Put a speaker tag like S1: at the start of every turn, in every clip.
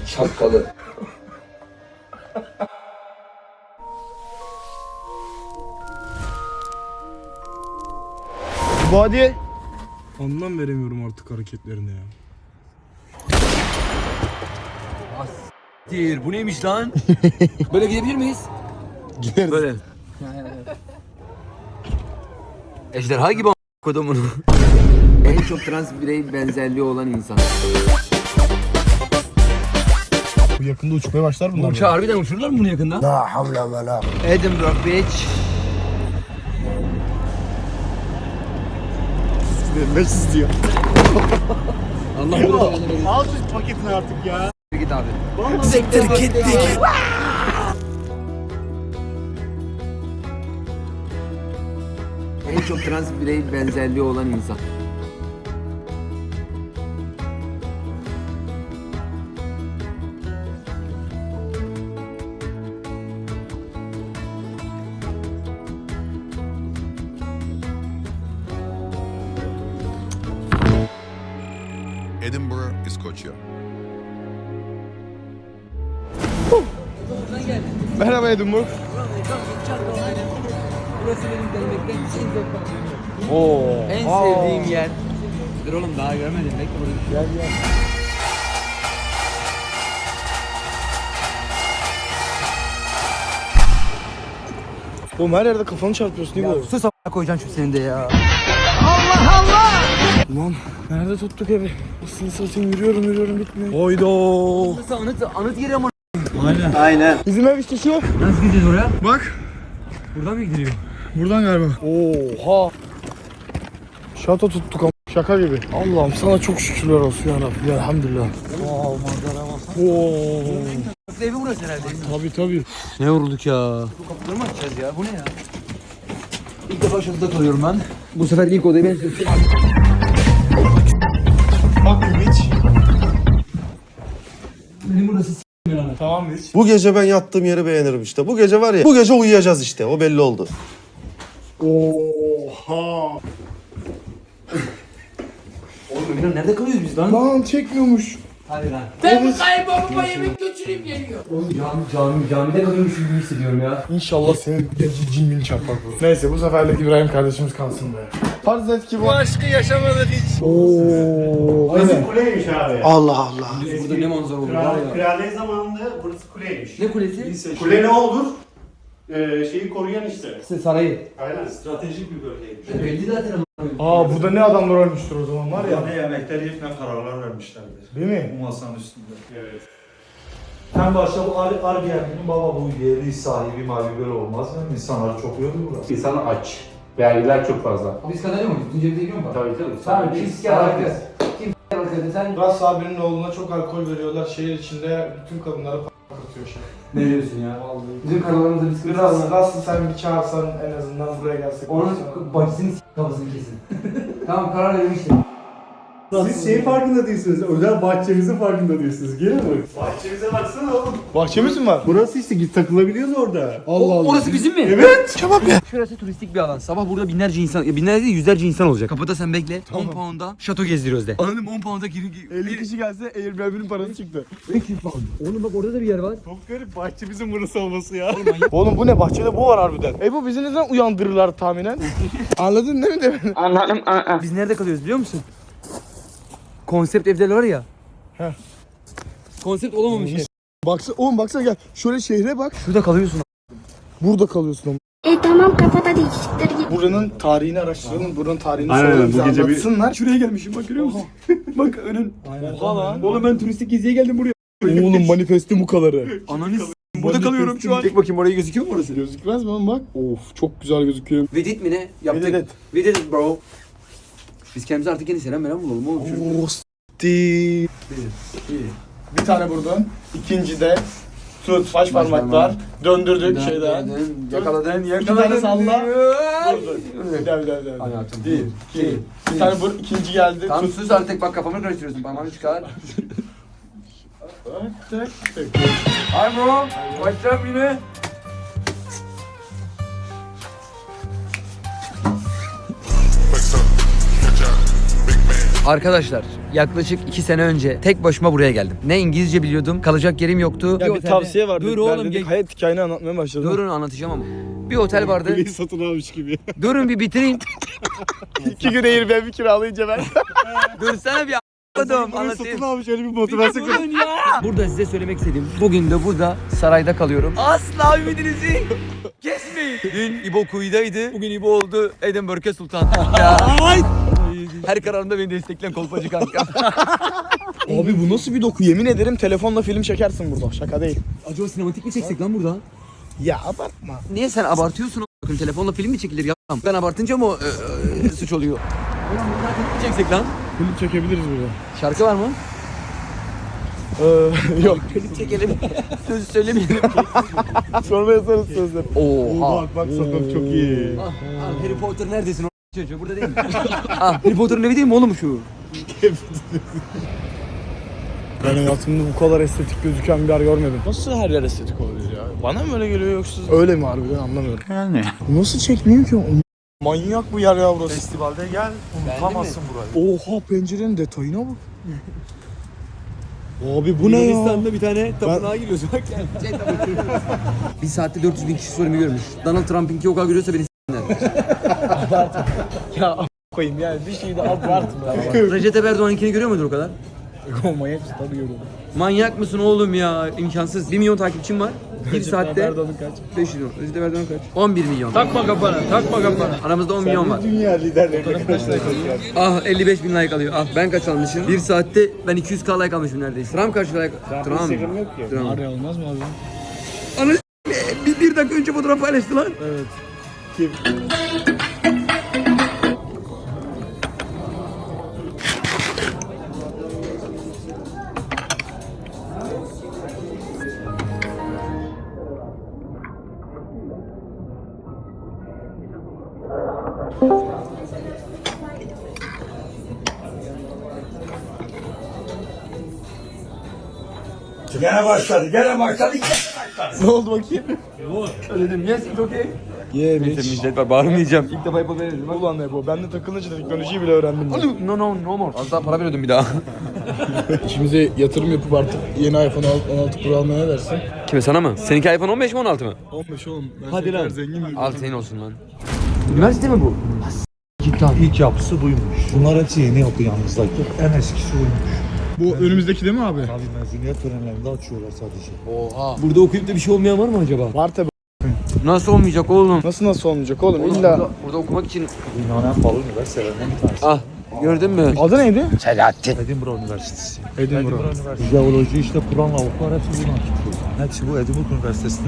S1: Şapkalı.
S2: Bu hadi. Anlam veremiyorum artık hareketlerine ya.
S1: Bu neymiş lan? Böyle gidebilir miyiz?
S2: Gideriz.
S1: Böyle. Ejderha gibi kodumun. En çok trans birey benzerliği olan insan.
S2: Bu yakında uçmaya başlar bunlar.
S1: Bu uçağı harbiden uçururlar mı bunu yakında?
S2: La havle ve la.
S1: Edinburgh Beach.
S2: Mesut diyor.
S1: Allah bunu
S2: Al şu paketini artık ya.
S1: git abi.
S2: Siktir gittik.
S1: En çok trans birey benzerliği olan insan.
S3: Edinburgh, İskoçya.
S2: Merhaba Edinburgh.
S1: Burası benim gelmekten en zevk
S2: Oo.
S1: En sevdiğim yer. Dur oğlum daha görmedim. Bekle burada.
S2: Gel gel. Oğlum her yerde kafanı çarpıyorsun değil mi?
S1: Sus a**a koyacaksın şu senin de ya.
S2: Ulan nerede tuttuk evi? Nasıl satayım yürüyorum bitmiyor. Oydo.
S1: Burası anıt yeri ama.
S2: Bizim ev işte şu.
S1: Nasıl gideceğiz oraya?
S2: Bak.
S1: Buradan mı gidiliyor?
S2: Buradan galiba. Oha. Şato tuttuk ama şaka gibi. Allah'ım sana çok şükürler olsun ya Rabbi. Ya, elhamdülillah.
S1: Wow manzara bak.
S2: Oo.
S1: Evi burası herhalde.
S2: Tabii.
S1: Ne yorulduk ya. Bu kapıları mı açacağız ya? Bu ne ya? İlk defa şurada kalıyorum ben. Bu sefer ilk odayı ben seçtim.
S2: Bak hiç.
S1: Benim burası
S2: Tamam hiç.
S4: Bu gece ben yattığım yeri beğenirim işte. Bu gece var ya, bu gece uyuyacağız işte. O belli oldu.
S2: Oha.
S1: Oğlum Emirhan nerede kalıyoruz biz lan?
S2: Lan çekmiyormuş.
S1: Hadi lan.
S5: Ben bu kaybolma yemek götüreyim geliyor.
S1: Oğlum camide kalıyormuş gibi hissediyorum ya.
S2: İnşallah senin cin çarpmak bu. Neyse bu seferlik İbrahim kardeşimiz kalsın be. Farz et ki bu aşkı yaşamadık hiç. Ooo.
S6: Burası kuleymiş abi.
S2: Allah Allah.
S1: Burada ne manzara olur var ya.
S6: Kraliyet zamanında burası kuleymiş.
S1: Ne kulesi?
S6: Kule ne olur? Şeyi koruyan işte.
S1: Sarayı.
S6: Aynen. Stratejik bir bölgeymiş.
S1: Belli zaten ama.
S2: Burada ne adamlar ölmüştür o zaman var ya.
S7: Ne yemekleri ne kararlar vermişlerdir.
S2: Değil mi?
S7: Bu masanın üstünde.
S6: Evet.
S7: En başta bu Airbnb'nin baba bu yeri sahibi mavi böyle olmaz mı? İnsanları çok yoruyor burası.
S8: İnsan aç. Vergiler çok fazla.
S1: Biz kazanıyor muyuz? Bütün cebimize giriyor mu?
S8: Tabii canım.
S1: Tamam kim siker arkadaş. Kim siker arkadaş sen.
S2: Ras abinin oğluna çok alkol veriyorlar. Şehir içinde bütün kadınları p***latıyor şey.
S1: Ne diyorsun ya? Bizim kanalımızda bir sıkıntı var.
S2: Ras'ı sen bir çağırsan en azından buraya gelsek.
S1: Onun bacısını kafasını kesin. Tamam karar vermiştim.
S6: Siz şey farkında değilsiniz. Özel bahçemizin farkında değilsiniz. Gelin mi? Bahçemize baksana oğlum.
S2: Bahçemiz mi var?
S6: Burası işte git takılabiliyoruz orada.
S2: Allah Allah.
S1: Orası bizim mi?
S2: Evet. Çabuk ya.
S1: Şurası turistik bir alan. Sabah burada binlerce insan, ya binlerce değil yüzlerce insan olacak. Kapıda sen bekle. 10 pound'a şato gezdiriyoruz de. Anladım 10 pound'a
S2: 50 kişi gelse Airbnb'nin parası çıktı.
S1: Oğlum bak orada da bir yer var.
S6: Çok garip bahçemizin burası olması ya.
S2: Oğlum bu ne? Bahçede bu var harbiden. Bu bizi neden uyandırırlar tahminen? Anladın değil mi demin?
S1: Biz nerede kalıyoruz biliyor musun? Konsept evler var ya.
S2: Heh.
S1: Konsept olamamış ev.
S2: Oğlum baksana gel. Şöyle şehre bak.
S1: Şurada kalıyorsun.
S2: Burada kalıyorsun oğlum.
S9: Tamam kafada değişiktir git.
S2: Buranın tarihini araştıralım. Buranın tarihini
S6: Aynen,
S2: soralım.
S6: bu
S2: Bize
S6: gece bir-
S2: anlatsınlar.
S1: Şuraya gelmişim bak görüyor musun? Bak önün.
S2: Oha lan.
S1: Oğlum ben turistik geziye geldim buraya.
S2: Oğlum manifesti bu kadarı.
S1: Ananı burada kalıyorum şu an. Tek bakayım orayı gözüküyor mu orası?
S2: Gözükmez mi oğlum bak? Of çok güzel gözüküyor.
S1: Vedit mi ne? Yaptık.
S2: Vedit.
S1: Vedit bro. Biz kendimize artık yeni selam bulalım oğlum.
S2: Oo s**ti. Bir tane buradan. İkinci de tut baş parmaklar. Döndürdük şeyden.
S1: Yakaladın.
S2: Bir tane salla. Bir daha.
S1: Hadi atın.
S2: Bir, iki. Bir tane ikinci geldi.
S1: Tam
S2: Tut.
S1: sus artık bak kafamı karıştırıyorsun. Parmağını çıkar.
S2: Tık, tık.
S1: Hi bro. What's up yine?
S3: Flex up, catch up, big man.
S1: Arkadaşlar yaklaşık 2 sene önce tek başıma buraya geldim. Ne İngilizce biliyordum, kalacak yerim yoktu.
S2: Ya bir tavsiye vardı.
S1: Dur oğlum,
S2: Hayat hikayeni anlatmaya başladım.
S1: Durun anlatacağım ama. Bir otel vardı.
S6: Kuleyi satın almış gibi.
S1: Durun bir bitireyim.
S2: 2 gün Airbnb kiralayınca ben.
S1: Dursana bir a**ladım
S6: Kuleyi
S1: anlatayım.
S6: satın almış öyle bir motivasyon.
S1: Durun ya. Burada size söylemek istediğim. Bugün de burada sarayda kalıyorum. Asla ümidinizi kesmeyin. Dün İbo Kuyu'daydı. Bugün İbo oldu Edinburgh'e Sultan. Ya. Her kararında beni destekleyen kolpacı kanka.
S2: Abi bu nasıl bir doku? Yemin ederim telefonla film çekersin burada. Şaka değil.
S1: Acaba sinematik mi çeksek lan burada?
S2: Ya abartma.
S1: Niye sen abartıyorsun? Bakın telefonla film mi çekilir ya? Ben abartınca mı suç oluyor? Ulan burada film mi çeksek lan?
S2: Film çekebiliriz burada.
S1: Şarkı var mı?
S2: Yok.
S1: Klip çekelim. Sözü söylemeyelim.
S2: Sonra yazarız sözleri.
S1: Oha.
S6: Bak sokak çok iyi.
S1: Harry Potter neredesin o çocuğu? Burada değil mi? Harry Potter'ın evi değil mi oğlum şu?
S2: Ben hayatımda bu kadar estetik gözüken bir yer görmedim. Nasıl her yer estetik oluyor ya? Bana mı öyle geliyor yoksa? Öyle mi harbiden anlamıyorum.
S6: Yani.
S2: Nasıl çekmiyor ki? Manyak bu yer ya burası.
S7: Festivalde gel unutamazsın burayı.
S2: Oha pencerenin detayına bak. Abi bu ne ya?
S1: Yunanistan'da bir tane tapınağa giriyorsun. Bak yani. Bir saatte 400 bin kişi sorumu görmüş. Donald Trump'inki o kadar görüyorsa beni s***ler.
S2: Ya koyayım yani bir şeyi de abartma.
S1: Recep Erdoğan'ınkini görüyor mudur o kadar?
S2: Manyak tabii görüyorum.
S1: Manyak mısın oğlum ya? İmkansız. 1 milyon takipçim var. Bir saatte
S2: Erdoğan'ın kaç?
S1: 5 milyon. Recep Erdoğan kaç? 11 milyon. Takma kafana, takma kafana. Aramızda 10 milyon var.
S6: Dünya liderlerine kaç like alıyor?
S1: Ah 55 bin like alıyor. Ah ben kaç almışım? 1 saatte ben 200k like almışım neredeyse. Trump kaç like? Trump.
S6: Instagram yok ki.
S1: Trump.
S2: Araya olmaz mı abi?
S1: Ana bir dakika önce fotoğraf paylaştı lan.
S2: Evet.
S6: Kim?
S2: Ne oldu bakayım?
S1: Söyledim yes it's okay.
S2: Yeah bitch.
S1: Millet var bağırmayacağım. İlk defa yapabilirim.
S2: Ulan ne bu? Ben de takılınca teknolojiyi bile öğrendim. Ben.
S1: No more. Az daha para veriyordum bir daha.
S2: İçimize yatırım yapıp artık yeni iPhone 16 Pro almaya ne dersin?
S1: Kime sana mı? Seninki iPhone 15 mi 16 mı?
S2: 15 oğlum. Ben
S1: Hadi lan.
S2: Zengin bir
S1: Al senin olsun lan. Üniversite mi bu?
S7: İlk yapısı buymuş. Bunlar hepsi yeni yapı yalnızdaki. En eskisi buymuş.
S2: Bu önümüzdeki değil mi abi?
S7: Tabii mezuniyet törenlerinde açıyorlar sadece.
S1: Oha. Burada okuyup da bir şey olmayan var mı acaba?
S2: Var tabi.
S1: Nasıl olmayacak oğlum?
S2: Nasıl olmayacak oğlum?
S1: Oğlum
S2: İlla.
S1: burada okumak için...
S7: Dünyanın en pahalı üniversitelerinden bir tanesi.
S1: Ah gördün mü?
S2: Adı neydi?
S7: Edinburgh Üniversitesi.
S2: Edinburgh.
S7: Jeoloji işte Kur'an lavuklar hepsi buradan çıkıyor. Hepsi bu Edinburgh Üniversitesi'nden.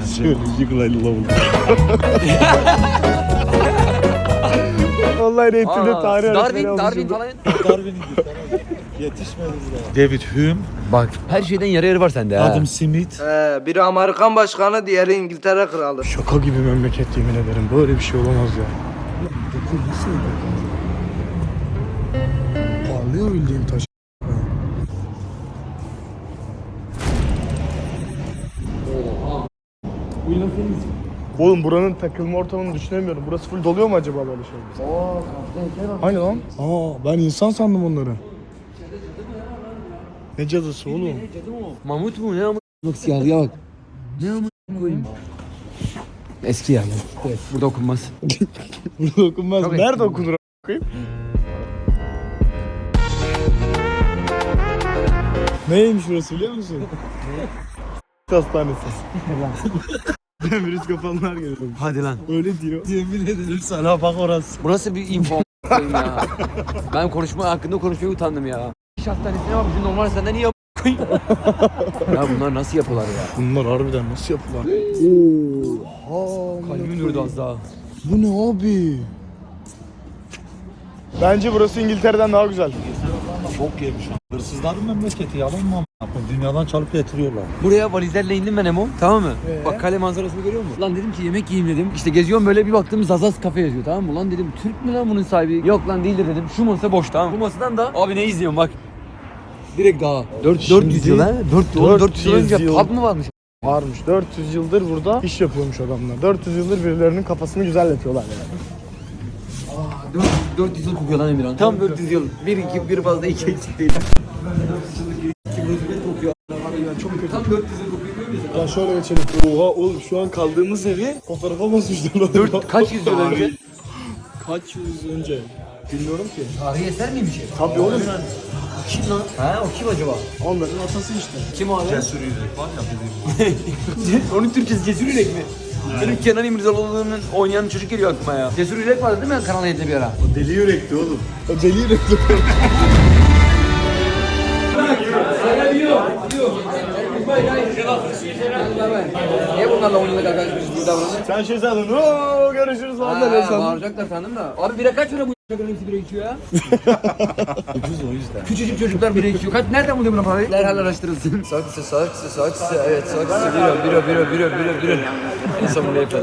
S2: Vallahi eğitimde tarih
S1: Darwin falan.
S7: Yetişmedi buraya. David Hume,
S1: Bak her şeyden yarı yarı var sende ha.
S7: Adam Smith.
S3: Biri Amerikan başkanı, diğeri İngiltere kralı.
S2: Şaka gibi memleket yemin ederim. Böyle bir şey olamaz ya. Parlıyor bildiğin taş. Oğlum buranın takılma ortamını düşünemiyorum. Burası full doluyor mu acaba böyle şeyler? Hani lan? Ben insan sandım onları. Ne cadısı oğlum?
S1: Mamut mu ne ama? Bak siyahlıya bak. Ne ama koyayım. Eski yani. Evet, burada okunmaz.
S2: Burada okunmaz.
S1: Tabii.
S2: Nerede okunur a**ayım? Neymiş burası biliyor musun? Hastanesi. Virüs kapanlar geliyor.
S1: Hadi lan.
S2: Öyle diyor. Yemin ederim sana bak orası.
S1: Bu nasıl bir info a**ayım ya? Ben hakkında konuşmaya utandım ya. İş hastanesine bak bizim normal hastaneden iyi a**ayım. Ya bunlar nasıl yapıyorlar ya?
S2: Bunlar harbiden nasıl yapılar? Oha.
S1: Kalbim durdu az daha.
S2: Bu ne abi? Bence burası İngiltere'den daha güzel.
S7: Çok yemiş. Hırsızların memleketi yalan mı? Dünyadan çalıp getiriyorlar.
S1: Buraya valizlerle indim ben Emo. Tamam mı? Bak kale manzarasını görüyor musun? Lan dedim ki yemek yiyeyim dedim. İşte geziyorum böyle bir baktım Zazaz kafe yazıyor tamam mı? Lan dedim Türk mü lan bunun sahibi? Yok lan değildir dedim. Şu masa boş tamam. Bu masadan da abi ne izliyorum bak. Direkt daha. 400 yıl ha? 400 yıl önce pub mı varmış?
S2: Varmış. 400 yıldır burada iş yapıyormuş adamlar. 400 yıldır birilerinin kafasını güzel yapıyorlar yani.
S1: 400 yıl kokuyor lan Emirhan. Tam 400 yıl. Bir fazla 2 eksik değil. 2 rutubet kokuyor. Çok kötü. Tam 400 yıl kokuyor biliyor musun?
S2: Ya şöyle geçelim. Oha oğlum şu an kaldığımız evi fotoğrafa basmışlar.
S1: Kaç yüzyıl önce?
S2: Kaç yüzyıl önce? Bilmiyorum ki.
S1: Tarihi eser miymiş?
S2: Tabii oğlum.
S1: Kim lan? Ha o kim acaba?
S2: Onların atası işte.
S1: Kim abi? Cesur Yürek var ya. Onun Türkçesi Cesur Yürek mi? Benim Kenan İmirzalıoğlu'nun oynayan çocuk geliyor aklıma ya. Cesur Yürek vardı değil mi Kanal 7'de bir ara?
S6: O deli yürekti oğlum.
S2: O deli yürekli.
S1: Niye bunlarla 10 yıllık arkadaşmışız gibi davranıyor?
S2: Sen şey sandın. Ooo görüşürüz falan da ne sandın?
S1: Bağıracaklar sandım da. Abi bira kaç para bu çocukların hepsi bira içiyor ya?
S2: Ucuz o yüzden.
S1: Küçücük çocuklar bira içiyor. Nereden buluyor buna parayı? Derhal araştırılsın. Saksı. Evet saksı. Bira. En son bunu yapalım.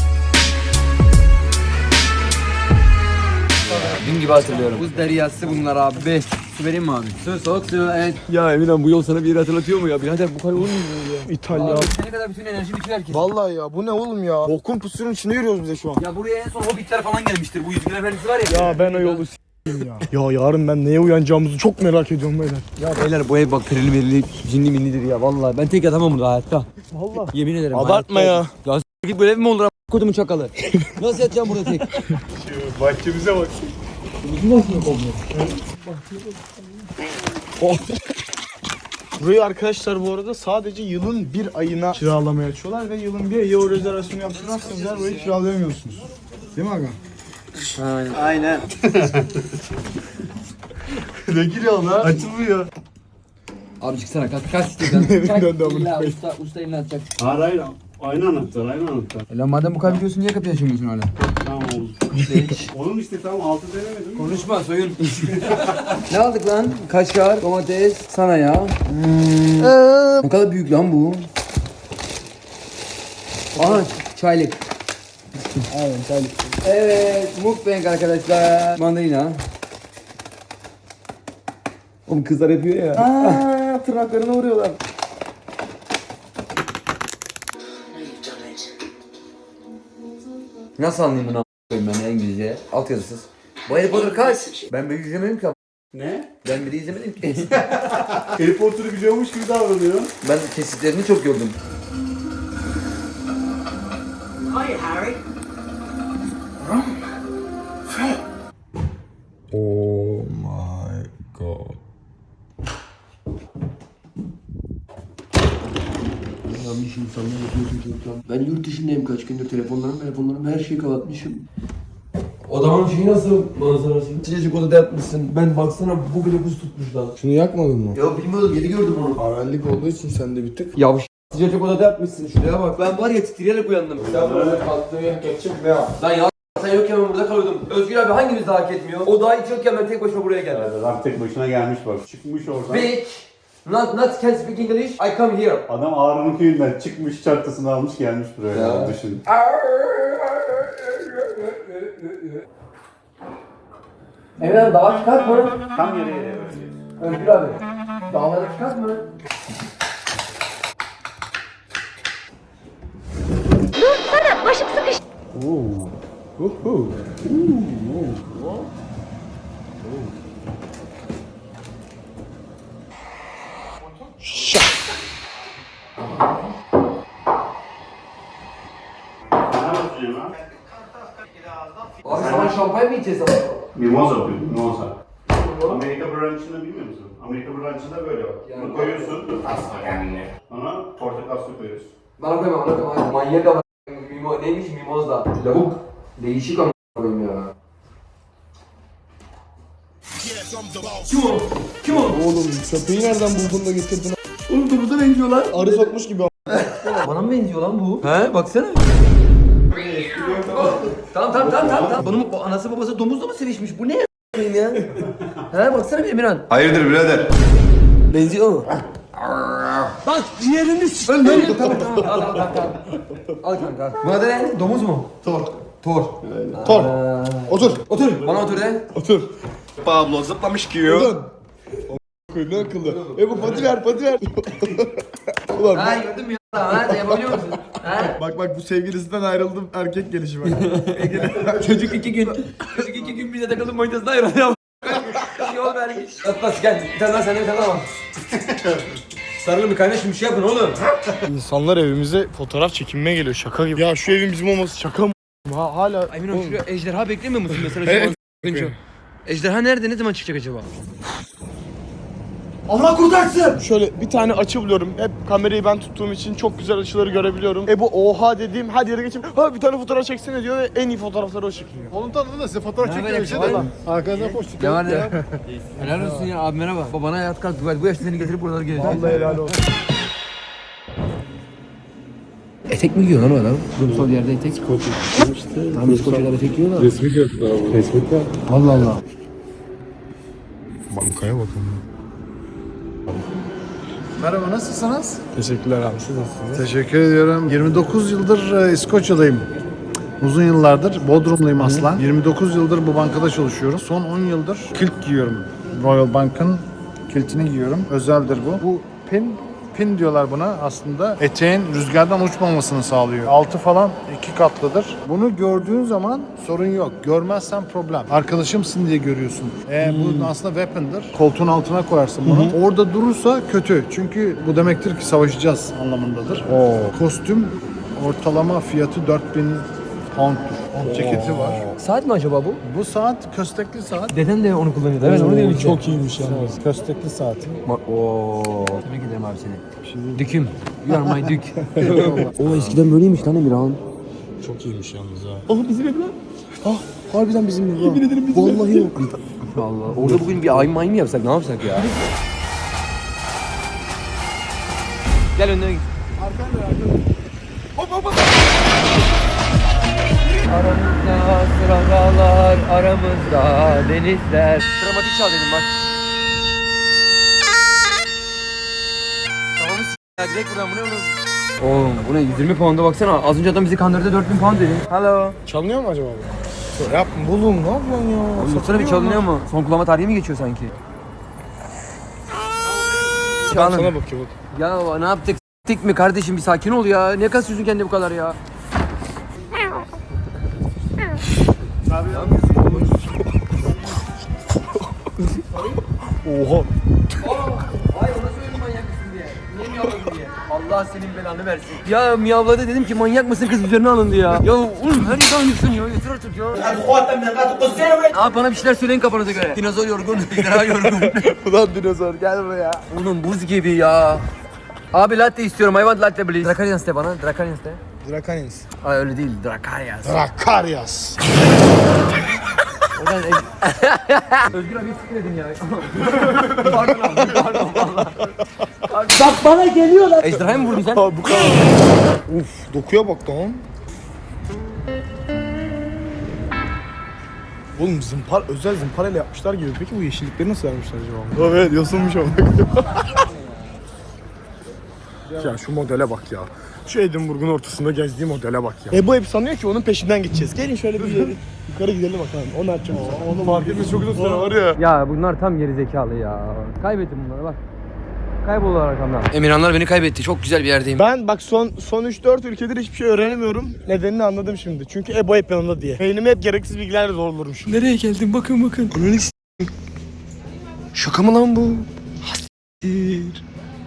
S1: Dün gibi hatırlıyorum. Buz deryası bunlar abi. Su vereyim mi abi? Soğuk su evet. Ya Emirhan bu yol sana bir yeri hatırlatıyor mu ya? Birader bu kadar olur mu ya?
S2: İtalya.
S1: Abi ne kadar bütün enerji bitiyor herkes.
S2: Vallahi ya bu ne oğlum ya? Bokun pusunun içinde yürüyoruz bize şu an.
S1: Ya buraya en son hobbitler falan gelmiştir. Bu Yüzgün Efendisi var ya.
S2: Ya ben o yolu s**eyim ya. Ya yarın ben neye uyanacağımızı çok merak ediyorum beyler.
S1: Ya beyler bu ev bak perili merili cinli minlidir ya vallahi. Ben tek yatamam burada hayatta.
S2: Vallahi.
S1: Yemin ederim.
S2: Abartma
S1: hayatta.
S2: ya.
S1: Ya s*** böyle ev mi olur a**? Kodumun çakalı. Nasıl yatacağım burada tek?
S6: Bahçemize bak.
S2: Burayı arkadaşlar bu arada sadece yılın bir ayına kiralamaya açıyorlar ve yılın bir ayı o rezervasyonu yaptırmazsanız eğer burayı kiralayamıyorsunuz. Değil mi aga?
S1: Aynen.
S2: Ne giriyor lan? Açılmıyor.
S1: Abi çıksana kaç istiyorsan.
S2: Evinden de amına
S1: İlla
S2: koyayım.
S1: usta elini atacak.
S6: Hayır. Aynı anahtar.
S1: Lan madem bu kadar biliyorsun niye kapıyı açamıyorsun hala?
S6: Tamam oğlum.
S1: Hiç.
S6: Oğlum işte tam altı denemedim mi?
S1: Konuşma soyun. Ne aldık lan? Kaşar, domates, sana ya. Ne kadar büyük lan bu. Aha çaylık.
S2: Aynen çaylık.
S1: Evet mukbang arkadaşlar. Mandalina. Oğlum kızlar yapıyor ya.
S2: Aaa tırnaklarına vuruyorlar.
S1: Nasıl anlayayım bunu a**ayım ben ya İngilizce? Altyazısız. Bu Harry Potter kaç? Ben bir izlemedim ki.
S6: Ne?
S1: Ben biri izlemedim ki.
S6: Harry Potter'ı biliyormuş gibi davranıyor.
S1: Ben kesitlerini çok gördüm.
S2: Oh my god.
S5: Yanlış insanlar yapıyorsun çocuklar. Ben yurt dışındayım kaç gündür telefonlarım her şeyi kapatmışım. Adamın şeyi nasıl manzarası? Sıcacık odada yatmışsın. Ben baksana bu bile buz tutmuş lan.
S2: Şunu yakmadın mı?
S5: Ya bilmiyordum yeni gördüm onu.
S2: Arallik olduğu için sen de bir tık.
S1: Ya
S5: Sıcacık odada yatmışsın şuraya bak. Ben var ya titreyerek uyandım.
S6: Sen böyle kalktığın yer geçecek ne yap?
S1: Lan ya sen yokken ben burada kalıyordum. Özgür abi hangimiz daha hak etmiyor? O daha hiç yokken ben tek başıma buraya geldim.
S6: Adam tek başına gelmiş bak. Çıkmış oradan.
S1: Bitch! Not can speak English, I come here.
S6: Adam Ağrı'nın köyünden çıkmış çantasını almış gelmiş buraya. Ya. Düşün.
S5: Emre dağa çıkart mı?
S6: Tam yere
S5: Özgür abi. Dağlara çıkart mı?
S9: Başım sıkıştı.
S1: Abi sana şampanya mı içeceğiz ama?
S6: Mimoza bu, mimoza. Amerika branchını bilmiyor musun? Amerika branchında böyle bak. Bunu koyuyorsun. Asla kendine. Ona portakal suyu koyuyorsun.
S1: Bana koyma. Manyak ama. Neymiş mimoza? Lavuk. Değişik ama koyayım ya. Kim o?
S2: Oğlum köpeği nereden buldun da getirdin?
S1: Oğlum domuzdan benziyor lan.
S2: Arı sokmuş gibi.
S1: Bana mı benziyor lan bu? He baksana. Tamam. Bunun anası babası domuzla mı sevişmiş? Bu ne ya? He baksana bir Emirhan.
S4: Hayırdır birader?
S1: Benziyor mu? Bak ciğerini s***. Tamam. Al kanka. Bu adı ne? Domuz mu? Tor.
S2: Tor. Otur.
S1: Otur. Bana otur de.
S2: Otur.
S4: Pablo zıplamış giyiyor.
S2: Otur. Ne akıllı. Bu pati ver. Ulan
S1: Ha gördün mü ya? Ha sen yapabiliyor musun? Ha?
S2: bak bu sevgilisinden ayrıldım erkek gelişi bak.
S1: Çocuk 2 gün 2 gün bize takıldım manitasına ayrılıyor. Yol vermiş. Atlas gel. Bir tane daha sende bir tane daha var. Sarılın bir kaynaşın bir şey yapın oğlum.
S2: İnsanlar evimize fotoğraf çekinmeye geliyor şaka gibi. Ya şu evin bizim olması şaka mı? Hala...
S1: Emin ol şuraya ejderha beklemiyor musun mesela? Şu ejderha nerede? Ne zaman çıkacak acaba? Allah kurtarsın!
S2: Şöyle bir tane açı buluyorum. Hep kamerayı ben tuttuğum için çok güzel açıları görebiliyorum. Bu oha dediğim her yere geçip ha bir tane fotoğraf çeksene diyor ve en iyi fotoğrafları o çekiliyor. Onun tanıdığı da size fotoğraf çekiyor bir şey de. Arkanızdan post
S1: Ne var ne? Helal olsun ya abi merhaba. Bana hayat kalktı. Bu yaşta seni getirip buralara geleceğim.
S2: Vallahi helal olsun.
S1: Etek mi giyiyor lan o adam? Kurumsal yerde etek. Tam İskoçyalar etek giyiyorlar.
S5: Resmi kıyafet abi. Resmi kıyafet.
S1: Allah Allah.
S2: Bankaya bakın.
S10: Merhaba, nasılsınız?
S2: Teşekkürler abi, siz nasılsınız?
S10: Teşekkür ediyorum. 29 yıldır İskoçya'dayım. Uzun yıllardır Bodrumluyum aslan. 29 yıldır bu bankada çalışıyorum. Son 10 yıldır kilt giyiyorum. Royal Bank'ın kiltini giyiyorum. Özeldir bu. Bu pin diyorlar buna aslında. Eteğin rüzgardan uçmamasını sağlıyor. Altı falan 2 katlıdır. Bunu gördüğün zaman sorun yok. Görmezsen problem. Arkadaşımsın diye görüyorsun. Bu aslında weapon'dır. Koltuğun altına koyarsın bunu. Orada durursa kötü. Çünkü bu demektir ki savaşacağız anlamındadır. Kostüm ortalama fiyatı 4000 pound'tur. Ceketi var.
S1: Saat mi acaba bu?
S10: Bu saat köstekli saat.
S1: Deden de onu kullanıyordu. Evet onu diyorum işte.
S2: Çok iyiymiş yalnız.
S10: Köstekli saati.
S1: Ooo. Tebrik ederim abi seni. Düküm. You are my dük. O eskiden böyleymiş lan Emirhan.
S2: Çok iyiymiş yalnız ha.
S1: Oh bizim ev lan.
S2: Harbiden bizim ev.
S1: Yemin ederim bizim vallahi yok. Allah. Orada bugün bir ay mı yapsak ne yapsak ya? Gel önüne git. Aramızda sıralar, aramızda denizler. Dramatik çal dedim bak. Tamam ya direkt buradan bu ne oğlum? Oğlum bu ne 120 pound'a baksana. Az önce adam bizi kandırdı 4000 pound dedi. Hello.
S2: Çalınıyor mu acaba bu? Yapma bulun, ne yapıyorsun ya?
S1: Oğlum baksana bir çalınıyor mu? Son kullanma tarihi mi geçiyor sanki?
S2: Sana
S1: Canım.
S2: bakıyor bak.
S1: Ya ne yaptık? S**tik mi kardeşim bir sakin ol ya. Ne kasıyorsun kendini bu kadar ya?
S2: Oha.
S1: Hayır ona söyledim manyak mısın diye. Niye miyavladın diye. Allah senin belanı versin. Ya miyavladı dedim ki manyak mısın kız üzerine alındı ya. Ya oğlum her yerden aynısın ya. Yeter artık ya. Abi bana bir şeyler söyleyin kafanıza göre. Dinozor yorgun, ejderha yorgun.
S2: Ulan dinozor gel buraya.
S1: Oğlum buz gibi ya. Abi latte istiyorum. I want latte please. Dracarians de bana. Dracarians de.
S2: Drakanins.
S1: Ay öyle değil. Dracarians.
S2: Drakaryas.
S1: Oradan Özgür abi sikledin ya. Pardon abi, pardon valla. Bak bana geliyorlar. Ejderhaya mı vurdun sen?
S2: Bu kadar. Uf, dokuya bak lan. Oğlum özel zımparayla yapmışlar gibi. Peki bu yeşillikleri nasıl vermişler acaba? Evet, yosunmuş ama. Ya şu modele bak ya. Şu Edinburgh'un ortasında gezdiği modele bak ya. Bu hep sanıyor ki onun peşinden gideceğiz. Gelin şöyle bir yukarı gidelim bakalım. Onu açacağım. Onu fark etmesi çok uzun süre var ya.
S1: Ya bunlar tam geri zekalı ya. Kaybettim bunları bak. Kayboldular arkamdan. Emirhanlar beni kaybetti. Çok güzel bir yerdeyim.
S2: Ben bak son 3-4 ülkedir hiçbir şey öğrenemiyorum. Nedenini anladım şimdi. Çünkü Ebo hep yanımda diye. Beynimi hep gereksiz bilgilerle zorluyorum şimdi.
S1: Nereye geldim? Bakın.
S2: Ananı s***. Şaka mı lan bu? Hastir.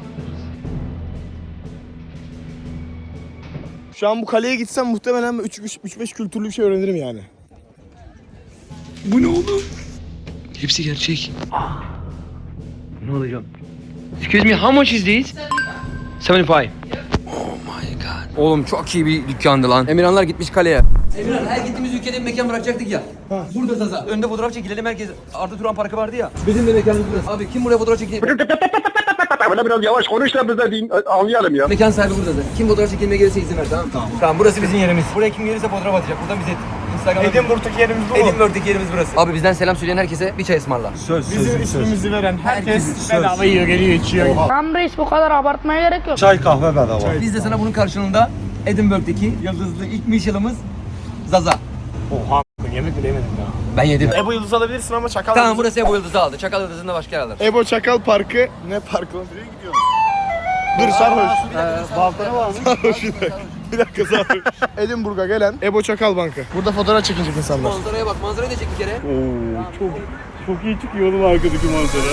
S2: Şu an bu kaleye gitsem muhtemelen 3-5 kültürlü bir şey öğrenirim yani.
S1: Bu ne oğlum? Hepsi gerçek. Ne olacağım? Excuse me, how much is this? 75. Oh my god. Oğlum çok iyi bir dükkandı lan. Emirhanlar gitmiş kaleye. Emirhan her gittiğimiz ülkede bir mekan bırakacaktık ya. Burada Zaza. Önde fotoğraf çekilelim herkes. Arda Turan Parkı vardı ya. Bizim de mekanımız burası. Abi kim buraya fotoğraf çekildi?
S6: Böyle biraz yavaş konuş da biz de anlayalım ya.
S1: Mekan sahibi burada zaten. Kim fotoğraf çekilmeye gelirse izin ver tamam mı? Tamam burası bizim yerimiz. Buraya kim gelirse fotoğraf atacak. Buradan bize Instagram'a...
S2: Edinburgh'daki yerimiz bu mu?
S1: Edinburgh'daki yerimiz burası. Abi bizden selam söyleyen herkese bir çay ısmarla.
S2: Bizim ismimizi veren herkes bedava yiyor, geliyor, içiyor.
S9: Tamam reis bu kadar abartmaya gerek yok.
S10: Çay kahve bedava.
S1: Biz de sana bunun karşılığında Edinburgh'daki yıldızlı ilk Michelin'imiz Zaza.
S2: Oha yemek bile yemedim ya.
S1: Ben yedim.
S2: Ebo Yıldız alabilirsin ama Çakal
S1: Tamam
S2: Yıldız.
S1: burası Ebo Yıldız'ı aldı. Çakal Yıldız'ında başka yer alır.
S2: Ebo Çakal Parkı. Ne parkı lan? Nereye gidiyorsun? Dur sarhoş.
S1: Balkona var mı?
S2: Sarhoş bir dakika. Bir dakika zaten. Edinburgh'a gelen Ebo Çakal Bankı. Burada fotoğraf çekinecek insanlar.
S1: Manzaraya bak, manzarayı da çek bir kere.
S2: Oo, çok iyi çıkıyor oğlum arkadaki manzara.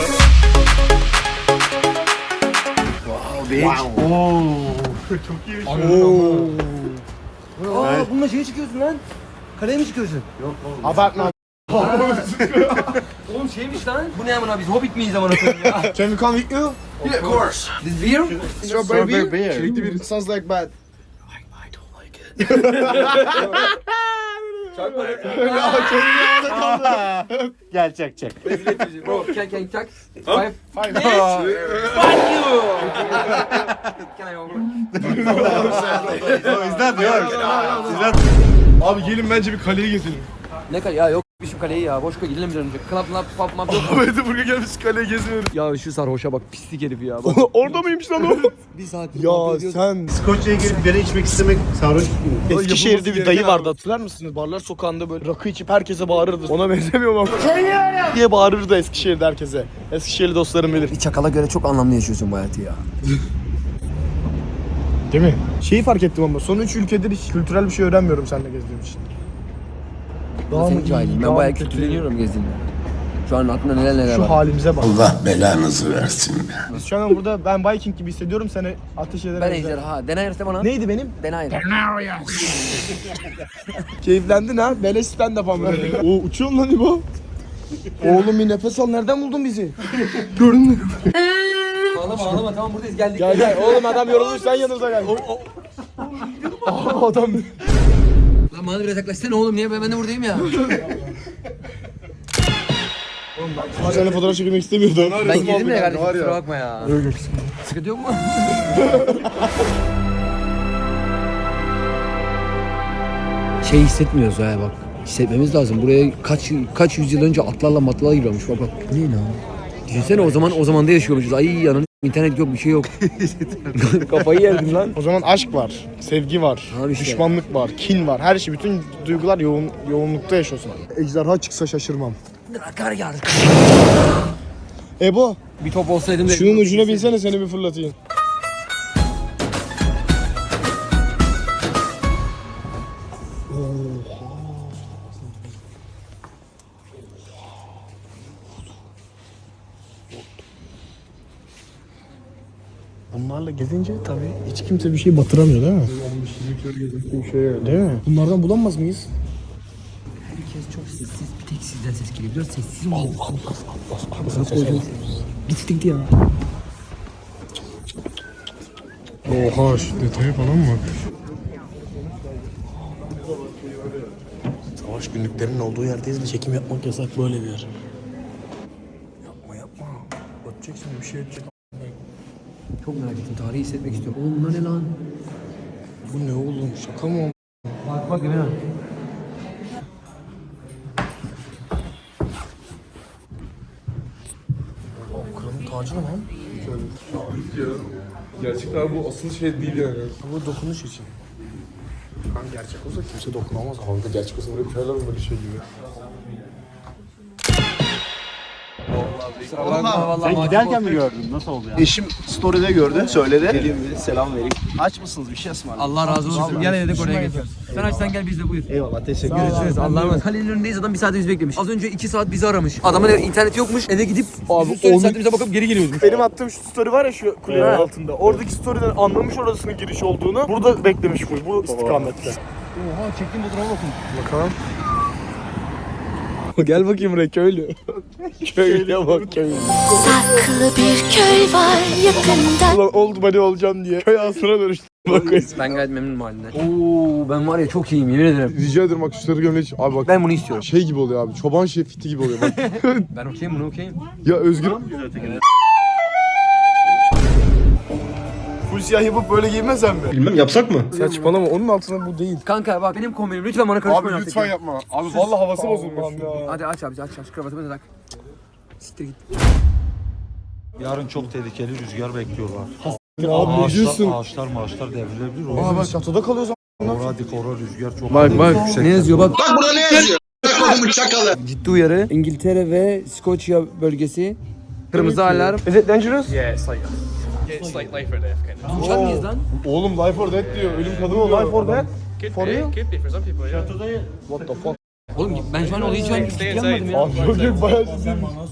S2: Wow. Oo. Çok iyiymiş.
S1: Aa, bununla şeye çıkıyorsun lan. Kaleye mi çıkıyorsun?
S2: Abartma.
S1: Oğlum şeymiş lan. Bu ne amına, biz hobbit miyiz amına koyayım ya?
S2: Can we come with you?
S1: Yeah, of course. This beer?
S2: Strawberry beer. Çilekli bir. Sounds like bad.
S1: I don't like it.
S6: Gel çek.
S1: Bro, can chuck? Five.
S2: Fine.
S1: Fuck you! Can I over?
S2: Abi gelin bence bir kaleye gezelim.
S1: Ne kale ya, yok şu kaleyi ya, boş koy, gidelim bir an önce. Club, pub, map yok.
S2: Abi Edinburgh'a gelmiş kaleye geziyoruz.
S1: Ya şu sarhoşa bak, pislik herif ya. Bak.
S2: Orada mıymış lan o?
S1: Bir saat.
S2: Ya sen...
S6: Skoçya'ya gelip bira içmek istemek sarhoş gibi.
S2: Eskişehir'de bir dayı vardı, hatırlar mısınız? Barlar sokağında böyle rakı içip herkese bağırırdı. Ona benzemiyor mu? diye bağırırdı Eskişehir'de herkese. Eskişehirli dostlarım bilir.
S1: Bir çakala göre çok anlamlı yaşıyorsun bu hayatı ya.
S2: Değil mi? Şeyi fark ettim ama son 3 ülkedir hiç kültürel bir şey öğrenmiyorum seninle gezdiğim için.
S1: Ben senin cahilim. Ben bayağı kültürleniyorum gezdiğimde. Şu an aklımda neler
S2: Şu
S1: var.
S2: halimize bak.
S11: Allah belanızı versin.
S2: Biz şu an burada ben Viking gibi hissediyorum, seni ateş ederim.
S1: Ben ejderha. Denayırsa bana.
S2: Neydi benim?
S1: Denayır.
S2: Keyiflendin ha? Beleş stand-up ama. Oo uçuyorsun lan İbo. Oğlum bir nefes al, nereden buldun bizi? Gördün mü?
S1: Ağlama tamam, buradayız, geldik.
S2: Gel. Oğlum adam yorulmuş, sen yanımıza gel. Adam...
S1: Lan bana biraz yaklaşsana oğlum, niye ben de buradayım ya.
S2: Seninle fotoğraf çekilmek istemiyordum.
S1: Ben girdim ya kardeşim, kusura bakma ya. Sıkıntı yok mu? Şey hissetmiyoruz ha bak. Hissetmemiz lazım. Buraya kaç yüzyıl önce atlarla matlarla giriyormuş. Bak. Ne lan? Düşünsene o zamanda yaşıyormuşuz. Ay ananı, internet yok, bir şey yok. Kafayı yerdin lan.
S2: O zaman aşk var, sevgi var,
S1: Abi işte.
S2: düşmanlık var, kin var. Her şey, bütün duygular yoğunlukta yaşıyorsun. Ejderha çıksa şaşırmam.
S1: Kar yağdı.
S2: Ebo,
S1: Bir top olsaydım da...
S2: şunun ucuna binsene, seni bir fırlatayım. Bunlarla gezince tabii hiç kimse bir şey batıramıyor değil mi? 15-20 kere şey değil mi? Bunlardan bulamaz mıyız?
S1: Herkes çok sessiz, bir tek sizden ses geliyor. Biraz sessiz olun. Allah. Bitti ya.
S2: Oha, şu detaya falan mı? Savaş günlüklerinin olduğu yerdeyiz ve çekim yapmak yasak, böyle bir yer. Yapma. Batacak şimdi, bir şey edecek.
S1: Çok merak ettim, tarihi hissetmek istiyorum. Oğlum bunlar ne lan?
S2: Bu ne oğlum, şaka mı?
S1: Bak Emin abi.
S2: Kralın tacı mı lan?
S5: Gerçekten bu asıl şey değil yani.
S2: Bu dokunuş için. Kan gerçek olsa kimse dokunamaz. Kanka gerçek olsa böyle koyarlar mı böyle şey gibi?
S1: Sen giderken mi
S11: gördün? Nasıl oldu yani? Eşim story'de gördü, söyledi. Geleyim dedi, selam vereyim. Aç mısınız, bir şey ısmarlayın?
S1: Allah razı olsun. Gel dedik oraya geçiyoruz. Sen açsan gel biz de buyur.
S11: Eyvallah, teşekkür
S1: Görüşürüz. Allah'a emanet. Kalenin önündeyiz, adam bir saat bizi beklemiş. Az önce 2 saat bizi aramış. Adamın interneti yokmuş. Eve gidip
S2: Abi,
S1: bizim story saatimize bakıp geri geliyoruz.
S2: Benim attığım şu story var ya, şu kulenin altında. Oradaki story'den anlamış orasının giriş olduğunu. Burada beklemiş bu istikamette.
S1: Oha, çektiğim fotoğrafa bakın.
S2: Bakalım. Gel bakayım buraya, köylü. Köylüye bak, köylü.
S9: Saklı bir köy var yakında.
S2: Ulan old money olacağım diye köy asına dönüştüm.
S1: Ben gayet memnunum halinden. Oo, ben var ya çok iyiyim, yemin ederim.
S2: Rica ederim bak, şu sarı gömlek. Abi bak,
S1: Ben bunu istiyorum.
S2: şey gibi oluyor abi, çoban şefiti gibi oluyor bak.
S1: Ben okeyim, bunu okeyim.
S2: Ya Özgür. Full siyah yapıp böyle giymesen mi?
S11: Bilmem, yapsak mı?
S2: Saçmalama, onun altında bu değil.
S1: Kanka bak benim kombinim, lütfen bana karışmayın
S2: Abi
S1: artık.
S2: lütfen yapma. Abi vallahi havası bozulmuş.
S1: Hadi aç abi, aç kravatımı da tak. Siktir git.
S7: Yarın çok tehlikeli rüzgar bekliyorlar.
S2: Abi ne diyorsun?
S7: Ağaçlar devrilebilir.
S2: Aa bak, çatıda kalıyoruz.
S7: Ora rüzgar çok.
S1: Bak ne yazıyor bak.
S11: Bak burada ne yazıyor? Çakalım çakalı.
S1: Ciddi uyarı. İngiltere ve Skoçya bölgesi. Kırmızı alarm.
S2: Is it dangerous?
S7: Yes, I
S12: It's like life or death kind of.
S1: Uçar mıyız lan?
S2: Oğlum life or death diyor. Ölüm kadın diyor. Life or death? For real?
S12: Could be for some people, yeah.
S2: What the fuck?
S1: Oğlum ben şu an olayı hiç
S12: Stay
S1: yapmadım ya.
S2: Abi çok bayağı ciddi.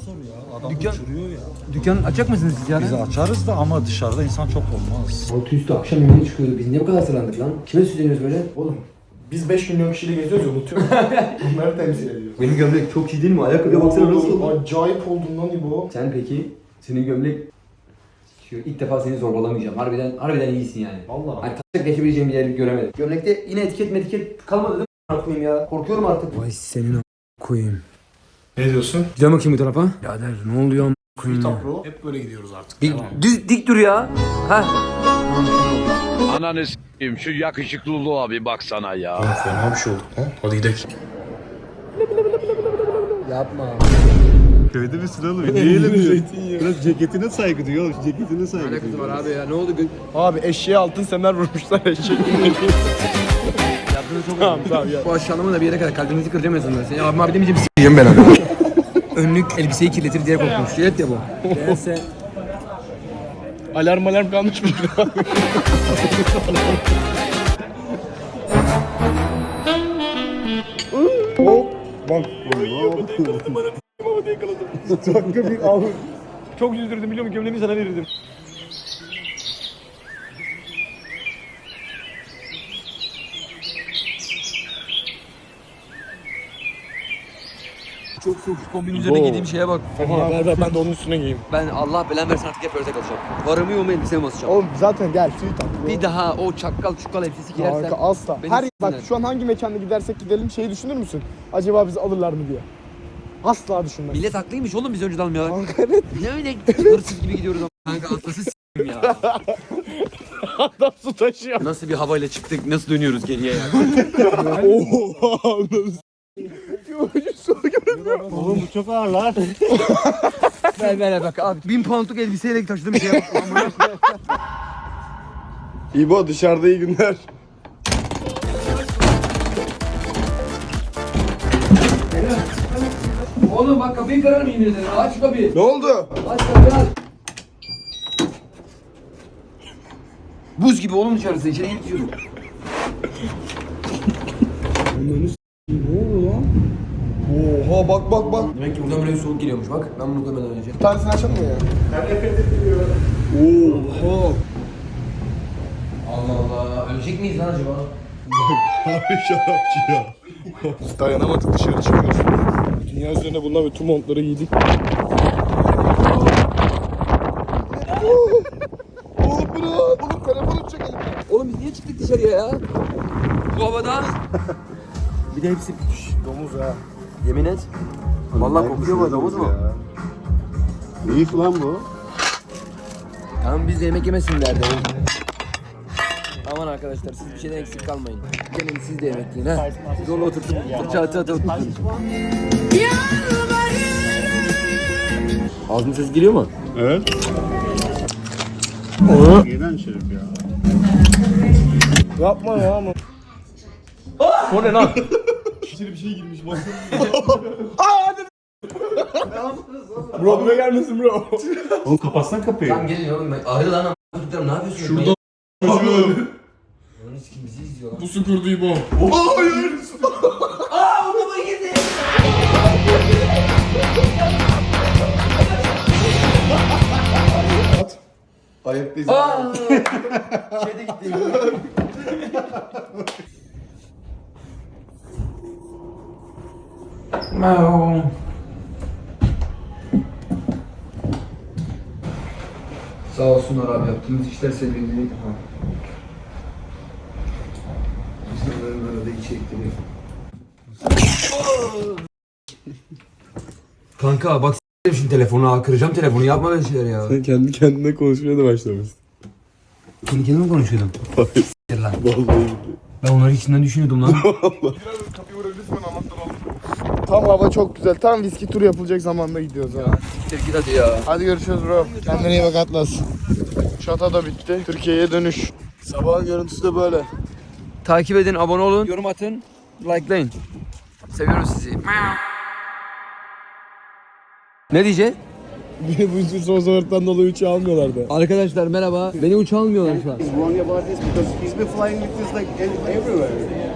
S1: Dükkan açacak mısınız siz yani?
S7: Biz açarız da ama dışarıda insan çok olmaz.
S1: Altı üstü akşam yemeğe çıkıyordu. Biz niye bu kadar sırandık lan? Kime süsleniyoruz böyle?
S2: Oğlum biz 5 milyon kişiyle geziyoruz ya unutuyoruz. Bunları temsil ediyoruz.
S1: Benim gömlek çok iyi değil mi? Ayakkabıya baksana nasıl oldu?
S2: Acayip oldun lan İbo.
S1: Sen peki? Senin gömlek... Şu ilk defa seni zorbalamayacağım. Harbiden iyisin yani.
S2: Vallahi.
S1: Hani taşak geçebileceğim bir yer göremedim. Gömlekte yine etiket kalmadı değil mi? Koyayım ya. Korkuyorum artık. Vay senin koyayım.
S2: Ne diyorsun?
S1: Güzel bakayım bu tarafa. Birader ne oluyor koyayım ya.
S2: Hep böyle gidiyoruz artık.
S1: Dik dur ya. Ha.
S6: Ananı s**eyim şu yakışıklılığa bir baksana ya.
S2: Fena bir şey oldu lan. Hadi gidelim.
S1: Yapma.
S4: Köyde bir sıralı bir diyelim. Biraz ceketine saygı duyuyor. Ceketine saygı
S1: Ne kızı var abi ya ne oldu?
S2: Abi eşeğe altın semer vurmuşlar eşek.
S1: Yaptığınız çok
S2: Tamam ya.
S1: Bu aşağılama da bir yere kadar kalbinizi kıracağım ya sonra. Seni abim abi demeyeceğim s**eyim ben abi. Önlük elbiseyi kirletir diye korktum. Şiret ya bu. Gelse.
S2: Alarm kalmış mı? Hop. Bak. Dakika bir abi. Çok üzüldürdüm biliyor musun? Gömleğimi sana verirdim.
S1: Çok soğuk. Kombinin üzerine giydiğim şeye bak.
S2: Ver ben de onun üstüne giyeyim.
S1: Ben Allah belanı versin artık hep ördek alacağım. Varımı yoğumu elbiseye basacağım.
S2: Oğlum zaten gel suyu tak.
S1: Bir daha o çukkal elbisesi giyersen.
S2: Kanka asla.
S1: beni
S2: Her bak
S1: s**sinler.
S2: şu an hangi mekanda gidersek gidelim şeyi düşünür müsün? Acaba bizi alırlar mı diye. Asla düşünmem.
S1: Millet haklıymış oğlum biz önceden almıyorlar.
S2: Kanka evet.
S1: Ne öyle hırsız gibi gidiyoruz ama. Kanka atlası s**tim ya.
S2: Adam su taşıyor.
S1: Nasıl bir havayla çıktık nasıl dönüyoruz geriye ya.
S2: Oha.
S4: Oğlum bu çok ağır lan.
S1: ver bak abi. 1000 poundluk elbiseyle taşıdığım şeye bak.
S2: İbo dışarıda iyi günler.
S1: Oğlum bak kapıyı kırarım yemin ederim. Aç şu kapıyı.
S2: Ne oldu?
S1: Aç kapıyı aç. Buz gibi oğlum dışarısı. İçeri girip içiyorum.
S2: Oha bak.
S1: Demek ki buradan böyle bir soğuk geliyormuş bak. Ben bunu koymadan önce.
S2: Bir tanesini açalım mı ya? Oha.
S1: Allah Allah. Ölecek miyiz lan acaba?
S2: Abi şarapçı ya. Biz dayanamadık dışarı çıkıyoruz. Dünya üzerine bundan ve tüm montları giydik. Oğlum bırak. Oğlum telefonu çek elimden.
S1: Oğlum biz niye çıktık dışarıya ya? Bu havada.
S2: Bir de hepsi domuz ha.
S1: Yemin et. Vallahi kokuyor bu domuz mu?
S4: İyi falan bu.
S1: Tamam biz de yemek yemesin derdi. Aman arkadaşlar siz bir şeyden eksik kalmayın. Gelin siz de yemek yiyin ha. Dolu oturtup fırça atı oturtun. Ağzımın sesi geliyor mu?
S4: Evet. Neden şerif ya?
S2: Yapma ya ama.
S1: O ne lan?
S2: İçeri bir şey girmiş bak. Hadi. Bro buraya gelmesin bro.
S4: Oğlum kapatsana kapıyı.
S1: Tamam gelin oğlum ben ayrı lan ama. Ne yapıyorsun?
S2: Şurada
S1: Onun kim bizi izliyor lan.
S2: bu süpürdü İbo. Oha hayır.
S1: Aaa o da girdi.
S2: Ayaktayız.
S1: Aaa. Şeyde gitti. Sağ olsunlar abi yaptığımız işler sebebiyle. İnsanların arada içerikleri. Kanka bak s**erim şimdi telefonu ha kıracağım telefonu yapma böyle şeyler ya.
S2: Sen kendi kendine konuşmaya da başlamışsın.
S1: Kendi kendime mi konuşuyordum?
S2: Hayır.
S1: S**tir lan.
S2: Vallahi.
S1: Ben onları içinden düşünüyordum lan.
S2: Kapıyı vurabilirsin ben anahtarı alırım. Tam hava çok güzel. Tam viski turu yapılacak zamanda gidiyoruz ha.
S1: Siktir git hadi ya.
S2: Hadi görüşürüz bro. Kendine iyi bak Atlas. Şata da bitti. Türkiye'ye dönüş. Sabahın görüntüsü de böyle.
S1: Takip edin, abone olun, yorum atın, likelayın. Seviyoruz sizi. Ne diyeceksin?
S2: Bu son sebepten dolayı uçağı almıyorlardı.
S1: Arkadaşlar merhaba. Beni uçağa almıyorlar şu an.
S11: Wrong about this because he's been flying with this like everywhere.